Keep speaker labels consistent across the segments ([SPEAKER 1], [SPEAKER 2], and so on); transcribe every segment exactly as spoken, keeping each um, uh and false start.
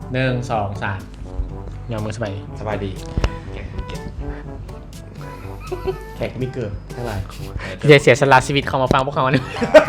[SPEAKER 1] หนึ่งสองสามยอมมือสบาย
[SPEAKER 2] สบายดี
[SPEAKER 1] แขกไม่เกิดเท่าไหร่เดี๋ยวเสียสละชีวิตเขามาฟังพวกเขาเนี่ย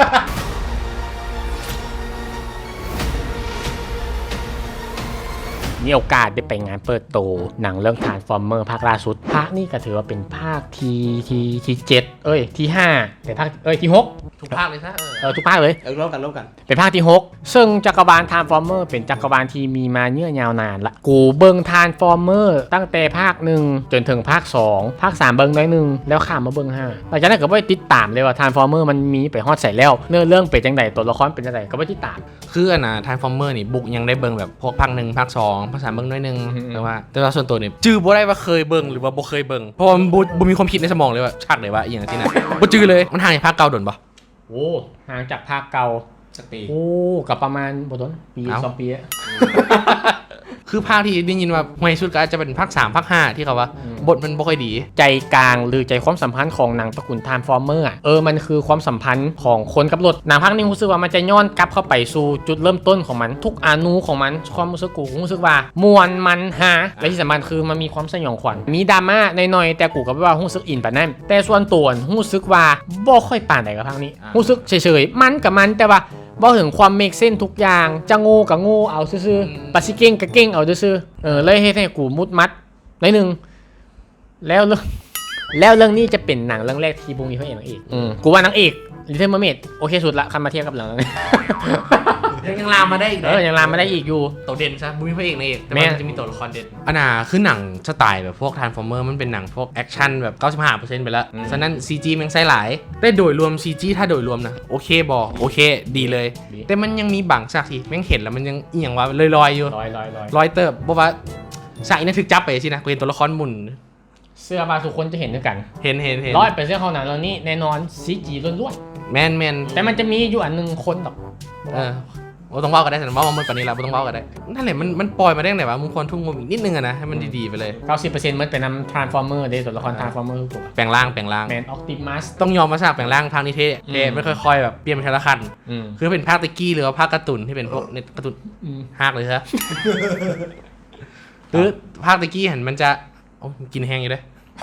[SPEAKER 1] มีโอกาสได้ไปงานเปิดโตหนังเรื่อง Transformer ภาคล่าสุดภาคนี้ก็ถือว่าเป็นภาคทีทีทีเจ็ดเอ้ยที่ห้าแต่ภาคเอ้ยที่หก
[SPEAKER 2] ทุกภาคเลยซะเออ
[SPEAKER 1] เออทุกภาคเลย
[SPEAKER 2] เออร่วมกันร่วมกัน
[SPEAKER 1] เป็นภาคที่หกซึ่งจักรวาล Transformer เป็นจักรวาลที่มีมาเยื่อยาวนานละกูเบิง Transformer ตั้งแต่ภาคหนึ่งจนถึงภาคสองภาคสามเบิงน้อยหนึ่งแล้วข้ามมาเบิงห้าหลังจากนั้นก็ไม่ติดตามเลยว่า Transformer มันมีไปฮอดใส่แล้วเนื้อเรื่องเป็นจังไดตัวละครเป็นจังไดก็ไม่ติดตาม
[SPEAKER 2] คืออันน่ะทานฟอร์เมอร์นี่บุกยังได้เบิ่งแบบพวกภาคหนึ่งภาคสองภาคสามเบิ่งน้อยหนึง
[SPEAKER 1] อืม
[SPEAKER 2] แต่ว่าแต่ว่าส่วนตัวนี่จื้อบ่ได้ว่าเคยเบิ่งหรือว่าบ่เคยเบิ่งเพราะว่ามันบ่บ่มีความคิดในสมองเลยว่าฉากไหนว่าอีหยังที่นั่นบ่จื้อเลยมันห่างจากภาคเก่าโดนบ่
[SPEAKER 1] โอ้ห่างจากภาคเก่า
[SPEAKER 2] สักปี
[SPEAKER 1] โอ้กับประมาณบ่ต้นปี
[SPEAKER 2] เอ้า
[SPEAKER 1] สองปีอะ
[SPEAKER 2] คือภาคที่ได้ยินว่าห่วยสุดก็อาจจะเป็นภาคสามภาคห้าที่เขาว่าบทมันบ่ค่อยดี
[SPEAKER 1] ใจกลางหรือใจความสัมพันธ์ของหนังตระกูล Transformer อ่ะเออมันคือความสัมพันธ์ของคนกับรถหนังภาคนี้รู้สึกว่ามันจะย้อนกลับเข้าไปสู่จุดเริ่มต้นของมันทุกอนูของมันความรู้สึกกูรู้สึกว่ามวนมันฮาและที่สำคัญคือมันมีความสยองขวัญมีดราม่าหน่อยๆแต่กูก็ว่ารู้สึกอินปานนั้นแต่ส่วนตัวรู้สึกว่าบ่ค่อยปานใดกับภาคนี้รู้สึกเฉยๆมันกับมันแต่ว่าบ่ถึงความเมคเส้นทุกอย่างจะโง่กับโง่เอาซื่อๆปัสสิเก่งกับเก่งเอาซื่อๆเออเลยเฮ็ดให้กูมุดมัดหน่อยนึงแล้วเรื่องแล้วเรื่องนี้จะเป็นหนังเรื่องแรกที่บุมีพระเอกนางเอกอืมกูว่านางเอกลิตเติ้ลเมอร์เมดโอเคสุดละคันมาเทียบกับหลัง
[SPEAKER 2] ยังลามมาได้อีก
[SPEAKER 1] เออยังลามมาได้อีกอยู่
[SPEAKER 2] ตัวเด่นซะบ่มีพระเอกในเอกแต่
[SPEAKER 1] แม่
[SPEAKER 2] ว่ามันจะมีตัวละครเด่นอันน่ะคือหนังสไตล์แบบพวก Transformer มันเป็นหนังพวกแอคชั่นแบบ เก้าสิบห้าเปอร์เซ็นต์ ไปแล้วฉะนั้น ซี จี แม่งใช้หลายได้โดยรวม ซี จี ถ้าโดยรวมนะโอเคบ่โอเคดีเลย แต่มันยังมีบางฉากที่แม่งเห็นแล้วมันยังอีหยังว่าลอยๆอยู่
[SPEAKER 1] ลอยลอยลอย
[SPEAKER 2] ลอยเติบบ่ว่าฉากอีนั้นถึกจับไปสินะกูเห็นตัวละครหมุน
[SPEAKER 1] เสื้อผ้าทุกคนจะเห็นด้วยกัน
[SPEAKER 2] เห็นเห็นเห็น
[SPEAKER 1] ร้อยเป็นเสื้อของหนังเรื่องนี้แน่นอนซีจีล้วน
[SPEAKER 2] แมนแมน
[SPEAKER 1] ๆแต่มันจะมีอยู่อันหนึ่งคนหรอก
[SPEAKER 2] เออโอ้ต้องเว้ากันได้แต่ว่ามันกว่านี้แล้วบ่ต้องเว้ากันได้นั่นแหละมันมันปล่อยมาได้ไหนวะมึงควรทุ่มงบอีกนิดนึงอะนะให้มันดีๆไปเลย
[SPEAKER 1] เก้าสิบเปอร์เซ็นต์มันเป็นนำ Transformer เด้ตัวละคร Transformer ทุกตัว
[SPEAKER 2] แปลงร่างแปลงร่าง
[SPEAKER 1] แมนออ t ติมัส
[SPEAKER 2] ต้องยอมมาฉากแปลงร่างภาคนี้เท่เท่
[SPEAKER 1] อืม
[SPEAKER 2] ไม่ค่อยๆแบบเปลี่ยนเป็นทีละขั้น
[SPEAKER 1] อืม
[SPEAKER 2] คือเป็นภาคตะกี้หรือว่าภาคการ์ตูนที่เป็นพวกในการ์ตูน
[SPEAKER 1] อืม
[SPEAKER 2] ฮากเลยฮะ หรือภาคตะกี้เห็นมันจะโอ้กินแห้งอยู่ด้วย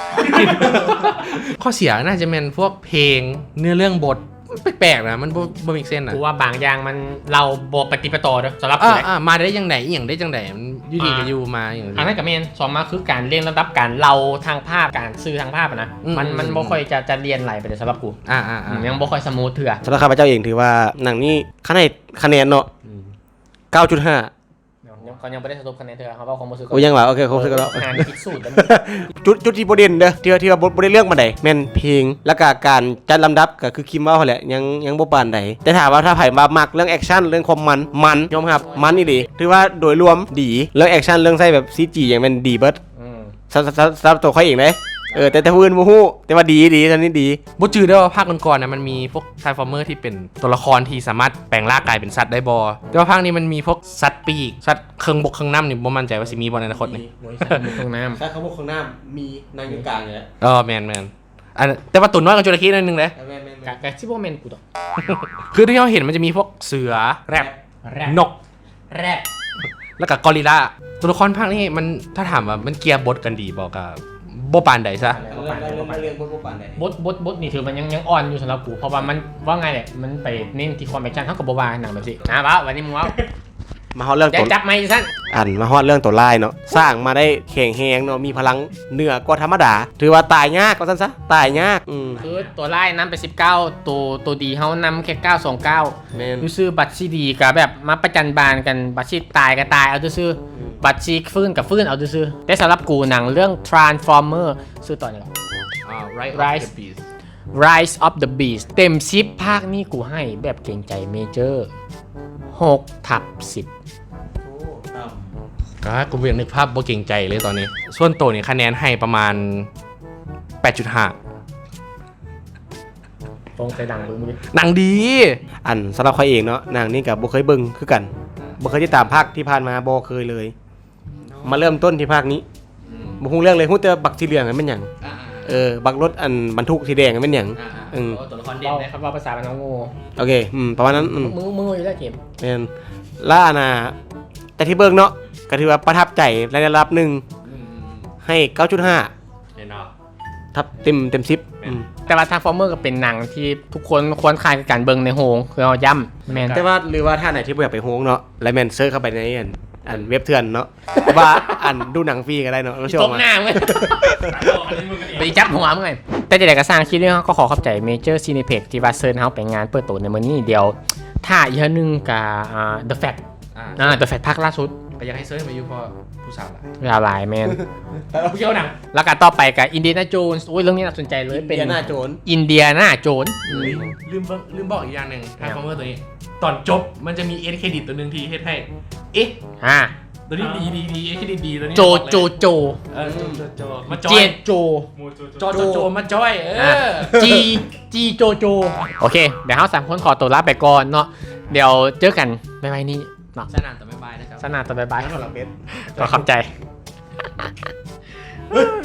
[SPEAKER 2] ข้อเสียน่าจะเป็นพวกเพลงเนื้อเรื่องบทแปลกๆนะมันบ่บ่มีเส้นอ่ะ
[SPEAKER 1] กูว่าบางอย่างมันเราบปฏิปต่อเด้อสำหรับ
[SPEAKER 2] อ่า
[SPEAKER 1] กูนะ
[SPEAKER 2] อ่ามาได้ยังไงอหย่างได้จังไดมันอยู่ดีก็อยู่มาอย่าง
[SPEAKER 1] อันนั้นกับเมนสองมาคือการเรียนระดับการเราทางภาพการสื่อทางภาพอะนะ
[SPEAKER 2] อืม
[SPEAKER 1] มันมัน
[SPEAKER 2] อืม
[SPEAKER 1] บ่ค่อยจะจะเรียนไหลไปเลยสำหรับกู
[SPEAKER 2] อ่าอ่าอ่า
[SPEAKER 1] ยังบ่ค่อยสมูทเถื่อ
[SPEAKER 3] สำหรับข้าพเจ้าเองถือว่าหนังนี้คะแนนคะแนนเนาะ เก้าจุดห้า
[SPEAKER 1] ยังเขายังไม่ได้สรุปคะแนนเถื่อเขาว่าความรู้สึก
[SPEAKER 3] โอ้ยังว่าโอเคครบสึกแล้ว
[SPEAKER 1] งานคิดสูตรแล้ว
[SPEAKER 3] จุดจุดที่ประเด็นเด้อที่ว่าที่ว่าบ่บ่ได้เรื่องมาใดแม่นเพลงแล้วก็การจัดลำดับก็คือคิมเว้าหั่นแหละยังยังบ่ปานใดแต่ถามว่าถ้าไผมามักเรื่องแอคชั่นเรื่องความมันมันยอมรับมันอีหลีถือว่าโดยรวมดีเรื่องแอคชั่นเรื่องใส่แบบ ซี จี อย่างแม่นดีเบิด
[SPEAKER 1] อืม
[SPEAKER 3] สำสำสำหรับตัวเขาเองเด้เออแต่แต่ผู้อื่นบ่ฮู้แต่ว่าดีดีตอนนี้ดี
[SPEAKER 2] บ่จืดได้ว่าภาคก่อนๆนะมันมีพวก Transformer ที่เป็นตัวละครที่สามารถแปลงร่างกายเป็นสัตว์ได้บ่แต่ว่าภาคนี้มันมีพวกสัตว์ปีกสัตว์เครื่องบกเครื่องน้ำนี่บ่มั่นใจว่าสิมีบ่ในอนาคตนี่
[SPEAKER 1] โอ้ยใส่หมวกเครื่องน้
[SPEAKER 3] ถ้าเขาบอกข้างหน้ามีนางอยู่กลางอยู่แล้ว
[SPEAKER 2] เออแมนแมนอันแต่ว่าตัวน้อยกับจระเข้นั่นนึงเลย
[SPEAKER 3] แม่น
[SPEAKER 1] ำกะกะซิบ่แม่นกูดอก
[SPEAKER 2] คือที่เราเห็นมันจะมีพวกเสือแรด
[SPEAKER 1] แรด
[SPEAKER 2] นก
[SPEAKER 1] แรด
[SPEAKER 2] แล้วก็กอริลลาตัวละครภาคนี้มันถ้าถามว่ามันเกียร์บทกันดีบอกกับโบปานใดซะ
[SPEAKER 3] เรื่องเรื่องเรื่องบ่ปานใด
[SPEAKER 1] บทบทบทนี่ถือมันยังยังอ่อนอยู่สำหรับกูเพราะว่ามันว่าไงเนี่ยมันไปเน้นที่ความแอคชั่นเท่ากับโบบาหนังแบบสิอ่ะว้าววันนี้มึงว้าว
[SPEAKER 3] มาฮอดเรื่อง
[SPEAKER 1] อย่า
[SPEAKER 3] ตัว
[SPEAKER 1] จับไม่สั้น
[SPEAKER 3] อันมาฮอดเรื่องตัวลายเนาะสร้างมาได้แข็งแรงเนาะมีพลังเหนือกว่าธรรมดา ถือว่าตายยากก็ซั่นซะตายยากอืม
[SPEAKER 1] คือตัวไล่นำไปสิบเก้าตัวตัวดีเฮานำแค่เก้าสองเก้า
[SPEAKER 3] แม่น
[SPEAKER 1] ซื้อบัตรซีดีกับแบบมาประจันบานกันบัตรซีตายก็ตายเอาซื้อๆบัตรซีฟื้นกับฟื้นเอาซื้อๆแต่สำหรับกูหนังเรื่อง Transformer ซื้อต่อเนี่ย
[SPEAKER 2] อ่า Rise
[SPEAKER 1] Rise
[SPEAKER 2] of the Beast
[SPEAKER 1] Rise of the Beast เต็มสิบภาคนี้กูให้แบบเก่งใจเมเจอร์หกทับสิบ
[SPEAKER 2] ก็กูยังนึกภาพบ่เก่งใจเลยตอนนี้ ส่วนตัวนี่คะแนนให้ประมาณ แปดจุดห้า
[SPEAKER 1] ตรงใจดังเบิ่งมึงดิ
[SPEAKER 2] หนังดี
[SPEAKER 3] อันสำหรับเขาเองเนาะหนังนี่กับบ่เคยเบิ่งคือกันบ่เคยติดตามภาคที่ผ่านมาบ่เคยเลย มาเริ่มต้นที่ภาคนี้บ่ฮู้เรื่องเลยฮู้แต่บักสีเหลืองอันเป็นหยังเออบักรถอันบรรทุกสีแดงอันเป็นหยังอืม
[SPEAKER 2] ตัวละครเด่น
[SPEAKER 1] เว้า
[SPEAKER 2] นะครับ
[SPEAKER 1] ว่าภาษาบ้านน้องโง่
[SPEAKER 3] โอเคอืมประมาณนั้นอืม
[SPEAKER 1] มึงมึงอยู่ได้เกม
[SPEAKER 3] แม่นล่าน่ะแต่ที่เบิ่งเนาะก็ถือว่าประทับใจในระดับหนึ่ง
[SPEAKER 2] อืม
[SPEAKER 3] ให้ เก้าจุดห้า
[SPEAKER 2] เห็นเนาะ
[SPEAKER 3] ทับเต็มเต็มสิบอืม
[SPEAKER 1] แต่ว่าทางฟอร์เมอร์ก็เป็นหนังที่ทุกคนควรคายการเบิ่งในโรงคือเอาย่ำแมน
[SPEAKER 3] แต่ว่าหรือว่าถ้าไหนที่บ่อยากไปโฮงเนาะแล้วแมนเซิร์ชเข้าไปในอันอันเว็บเถื่อนเนาะ ว่าอันดูหนังฟรีก็ได้เนาะเราเชื่อ
[SPEAKER 1] ตก
[SPEAKER 3] ว่า
[SPEAKER 1] หน้ามึงไปจับหัวมึงไงแต่จะได้ก็สร้างคลิปนี้ก็ขอขอบใจเมเจอร์ซีนิเพ็กที่ว่าเซิร์นเฮาไปงานเปิดตัวในมื้อนี้เดียวถ้าอีกอันหนึงกับอ่า The Fact
[SPEAKER 2] อ่า
[SPEAKER 1] อ่า The Fact ภาคล่าสุด
[SPEAKER 2] ก็อยากให้เซิร์ชมาอยู่เพราะผู้สาวหลาย
[SPEAKER 1] ยาวหลายแมน
[SPEAKER 2] เราเที่ยวหนัง
[SPEAKER 1] แล้วก็ต่อไปกับอินเดียนาโจนส์อุ้ยเรื่องนี้น่าสนใจเลยเป็น
[SPEAKER 3] เดียนาโจน
[SPEAKER 1] อินเดียนาโจน
[SPEAKER 2] ลืมบอกลืมบอกอีกอย่างหนึ่งทางคอมเมอร์ตัวนี้ ตอนจบมันจะมีเอ็นเครดิตตัวหนึ่งที่เฮ็ดให้ เอ๊ะ
[SPEAKER 1] อ่า
[SPEAKER 2] ตัวนี้ดีดีดีเอ็นเครดิตดีตัวนี้
[SPEAKER 1] โจโจโจ
[SPEAKER 2] เออโจโจโจมาจอ
[SPEAKER 1] เจ
[SPEAKER 2] ย
[SPEAKER 1] โจ
[SPEAKER 2] โจโจโจมาจอยเอ
[SPEAKER 1] อ่ะ
[SPEAKER 2] อ
[SPEAKER 1] จีจีโจโจโอเคเดี๋ยวเราสามคนขอตัวลาไปก่อนเนาะเดี๋ยวเจอกันบ๊ายบายนี่เนาะ
[SPEAKER 2] สนานต่อไปบายนะครับ
[SPEAKER 1] สนานต่อบ๊ายบาย
[SPEAKER 3] สำหรับเบส
[SPEAKER 1] ขอขอบใจ